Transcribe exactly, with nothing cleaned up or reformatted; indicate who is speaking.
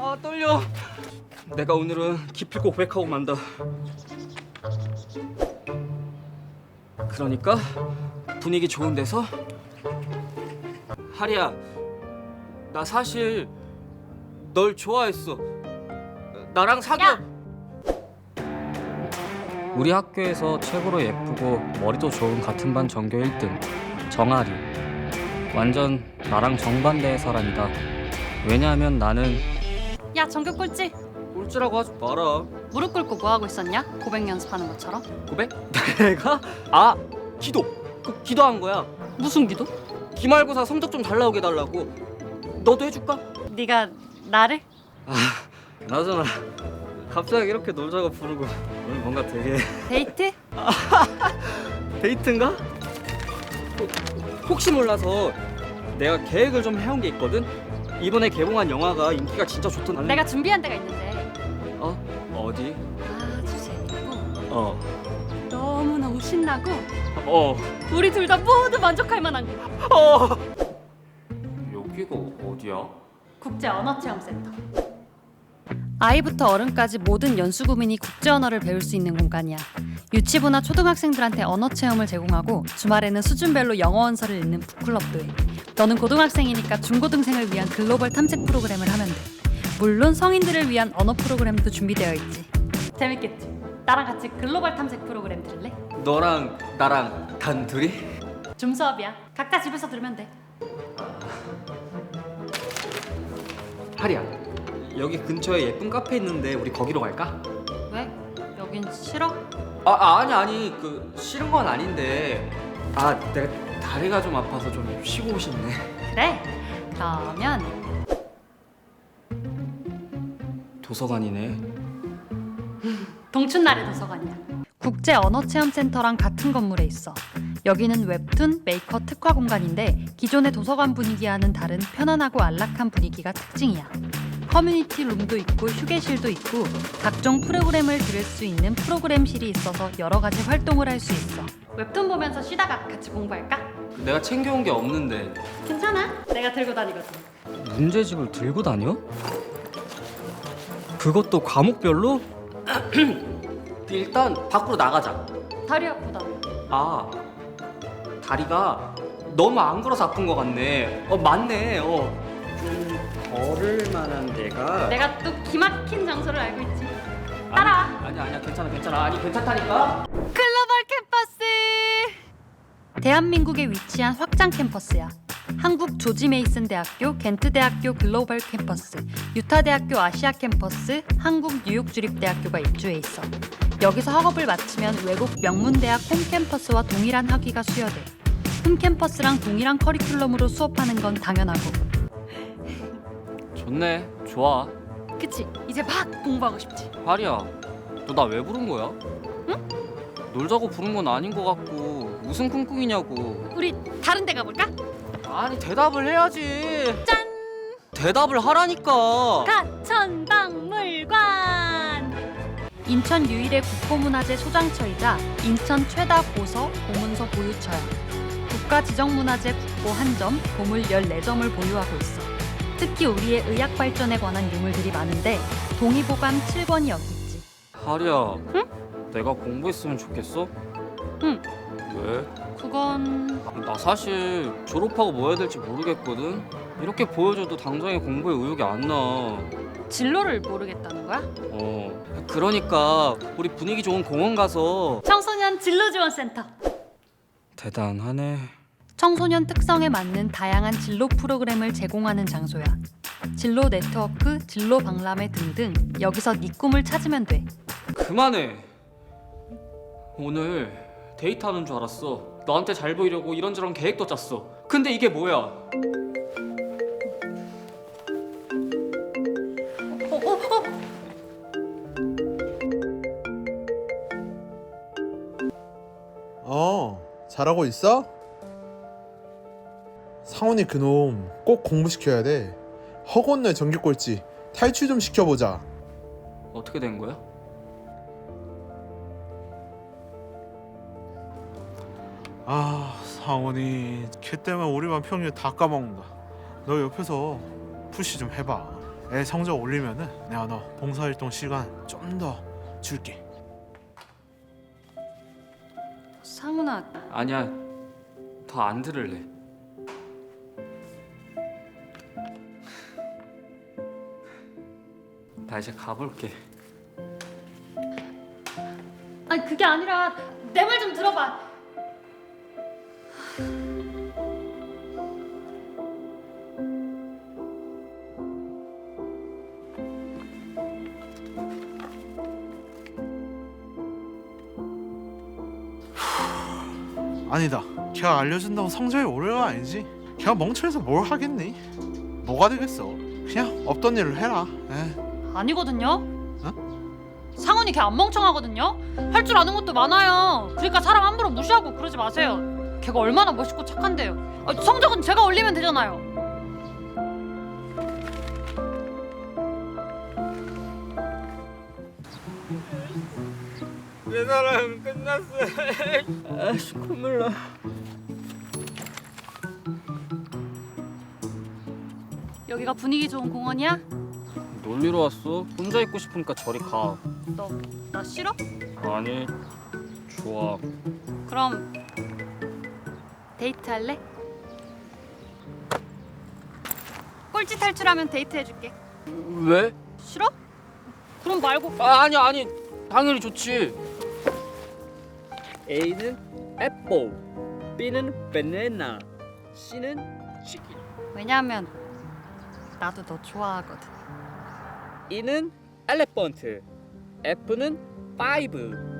Speaker 1: 아 떨려. 내가 오늘은 기필코 고백하고 만다. 그러니까 분위기 좋은 데서. 하리야, 나 사실 널 좋아했어. 나랑 사귀어.
Speaker 2: 야!
Speaker 3: 우리 학교에서 최고로 예쁘고 머리도 좋은 같은 반 전교 일 등 정아리. 완전 나랑 정반대의 사람이다. 왜냐하면 나는
Speaker 2: 야 전교 꼴찌.
Speaker 1: 꼴찌라고 하지 마라.
Speaker 2: 무릎 꿇고 뭐 하고 있었냐? 고백 연습하는 것처럼.
Speaker 1: 고백? 내가? 아, 기도. 그 기도한 거야.
Speaker 2: 무슨 기도?
Speaker 1: 기말고사 성적 좀 잘 나오게 해달라고. 너도 해줄까?
Speaker 2: 네가 나를?
Speaker 1: 아, 나잖아. 갑자기 이렇게 놀자고 부르고 오늘 뭔가 되게
Speaker 2: 데이트?
Speaker 1: 데이트인가? 혹시 몰라서 내가 계획을 좀 해온 게 있거든? 이번에 개봉한 영화가 인기가 진짜 좋던.
Speaker 2: 내가 준비한 데가 있는데
Speaker 1: 어? 어디?
Speaker 2: 아주 재밌고
Speaker 1: 어.
Speaker 2: 너무너무 신나고
Speaker 1: 어.
Speaker 2: 우리 둘 다 모두 만족할 만한 곳.
Speaker 1: 어. 여기가 어디야?
Speaker 2: 국제 언어체험센터. 아이부터 어른까지 모든 연수구민이 국제 언어를 배울 수 있는 공간이야. 유치부나 초등학생들한테 언어 체험을 제공하고 주말에는 수준별로 영어 원서를 읽는 북클럽도 해. 너는 고등학생이니까 중고등생을 위한 글로벌 탐색 프로그램을 하면 돼. 물론 성인들을 위한 언어 프로그램도 준비되어 있지. 재밌겠지? 나랑 같이 글로벌 탐색 프로그램 들을래?
Speaker 1: 너랑 나랑 단둘이?
Speaker 2: 줌 수업이야. 각자 집에서 들으면 돼.
Speaker 1: 하리야, 여기 근처에 예쁜 카페 있는데 우리 거기로 갈까?
Speaker 2: 왜? 여긴 싫어?
Speaker 1: 아, 아 아니 아니 그 싫은 건 아닌데 아 내가 다리가 좀 아파서 좀 쉬고 싶네.
Speaker 2: 그래. 그러면
Speaker 1: 도서관이네.
Speaker 2: 동춘날의 도서관이야. 국제 언어체험센터랑 같은 건물에 있어. 여기는 웹툰, 메이커 특화 공간인데 기존의 도서관 분위기와는 다른 편안하고 안락한 분위기가 특징이야. 커뮤니티 룸도 있고 휴게실도 있고 각종 프로그램을 들을 수 있는 프로그램실이 있어서 여러 가지 활동을 할 수 있어. 웹툰 보면서 쉬다가 같이 공부할까?
Speaker 1: 내가 챙겨온 게 없는데.
Speaker 2: 괜찮아. 내가 들고 다니거든.
Speaker 1: 문제집을 들고 다녀? 그것도 과목별로? 일단 밖으로 나가자.
Speaker 2: 다리 아프다.
Speaker 1: 아, 다리가 너무 안 걸어서 아픈 것 같네. 어, 맞네. 어. 좀 걸을 만한 데가.
Speaker 2: 내가 또 기막힌 장소를 알고 있지. 따라와.
Speaker 1: 아니, 아니 아니야 괜찮아 괜찮아. 아니 괜찮다니까.
Speaker 2: 글로벌 캠퍼스. 대한민국에 위치한 확장 캠퍼스야. 한국 조지 메이슨 대학교, 겐트 대학교 글로벌 캠퍼스, 유타 대학교 아시아 캠퍼스, 한국 뉴욕 주립대학교가 입주해 있어. 여기서 학업을 마치면 외국 명문 대학 홈 캠퍼스와 동일한 학위가 수여돼. 홈 캠퍼스랑 동일한 커리큘럼으로 수업하는 건 당연하고.
Speaker 1: 좋네. 좋아.
Speaker 2: 그치? 이제 막 공부하고 싶지?
Speaker 1: 하리야, 너 나 왜 부른 거야?
Speaker 2: 응?
Speaker 1: 놀자고 부른 건 아닌 것 같고 무슨 쿵쿵이냐고.
Speaker 2: 우리 다른 데 가볼까?
Speaker 1: 아니 대답을 해야지.
Speaker 2: 짠!
Speaker 1: 대답을 하라니까.
Speaker 2: 가천박물관! 인천 유일의 국보문화재 소장처이자 인천 최다 고서, 보문서 보유처야. 국가지정문화재 국보 한 점, 보물 열네 점을 보유하고 있어. 특히 우리의 의학 발전에 관한 유물들이 많은데 동의보감 칠 권이 여기 있지.
Speaker 1: 하리야,
Speaker 2: 응?
Speaker 1: 내가 공부했으면 좋겠어?
Speaker 2: 응.
Speaker 1: 왜?
Speaker 2: 그건...
Speaker 1: 나 사실 졸업하고 뭐 해야 될지 모르겠거든. 이렇게 보여줘도 당장에 공부에 의욕이 안 나.
Speaker 2: 진로를 모르겠다는 거야?
Speaker 1: 어. 그러니까 우리 분위기 좋은 공원 가서.
Speaker 2: 청소년 진로지원센터.
Speaker 1: 대단하네.
Speaker 2: 청소년 특성에 맞는 다양한 진로 프로그램을 제공하는 장소야. 진로 네트워크, 진로 박람회 등등 여기서 네 꿈을 찾으면 돼.
Speaker 1: 그만해. 오늘 데이트하는 줄 알았어. 너한테 잘 보이려고 이런저런 계획도 짰어. 근데 이게 뭐야?
Speaker 2: 어, 어, 어.
Speaker 4: 어, 잘하고 있어? 상훈이 그놈 꼭 공부시켜야 돼. 허건너의 전교 꼴찌 탈출 좀 시켜보자.
Speaker 1: 어떻게 된 거야?
Speaker 5: 아, 상훈이 걔 때문에 우리만 평균 다 까먹는다. 너 옆에서 푸시 좀 해봐.
Speaker 4: 애 성적 올리면은 내가 너 봉사활동 시간 좀 더 줄게.
Speaker 2: 상훈아,
Speaker 3: 아니야, 더 안 들을래. 나 이제 가볼게.
Speaker 2: 아니 그게 아니라 내 말 좀 들어봐.
Speaker 4: 아니다. 걔가 알려준다고 성적이 오르가 아니지. 걔가 멍청해서 뭘 하겠니? 뭐가 되겠어. 그냥 없던 일을 해라. 에.
Speaker 2: 아니거든요. 상훈이 걔 안 멍청하거든요. 할 줄 아는 것도 많아요. 그러니까 사람 함부로 무시하고 그러지 마세요. 걔가 얼마나 멋있고 착한데요. 아, 성적은 제가 올리면 되잖아요.
Speaker 1: 내 사랑은 끝났어. 아씨 콧물 나.
Speaker 2: 여기가 분위기 좋은 공원이야?
Speaker 3: 놀리러 왔어? 혼자 있고 싶으니까 저리 가.
Speaker 2: 너 나 싫어?
Speaker 3: 아니, 좋아.
Speaker 2: 그럼 데이트 할래? 꼴찌 탈출하면 데이트 해줄게.
Speaker 3: 왜?
Speaker 2: 싫어? 그럼 말고.
Speaker 3: 아, 아니 아니, 당연히 좋지.
Speaker 1: A는 애플, B는 바나나, C는 치킨.
Speaker 2: 왜냐면 나도 너 좋아하거든.
Speaker 1: E는 엘레펀트, F는 파이브.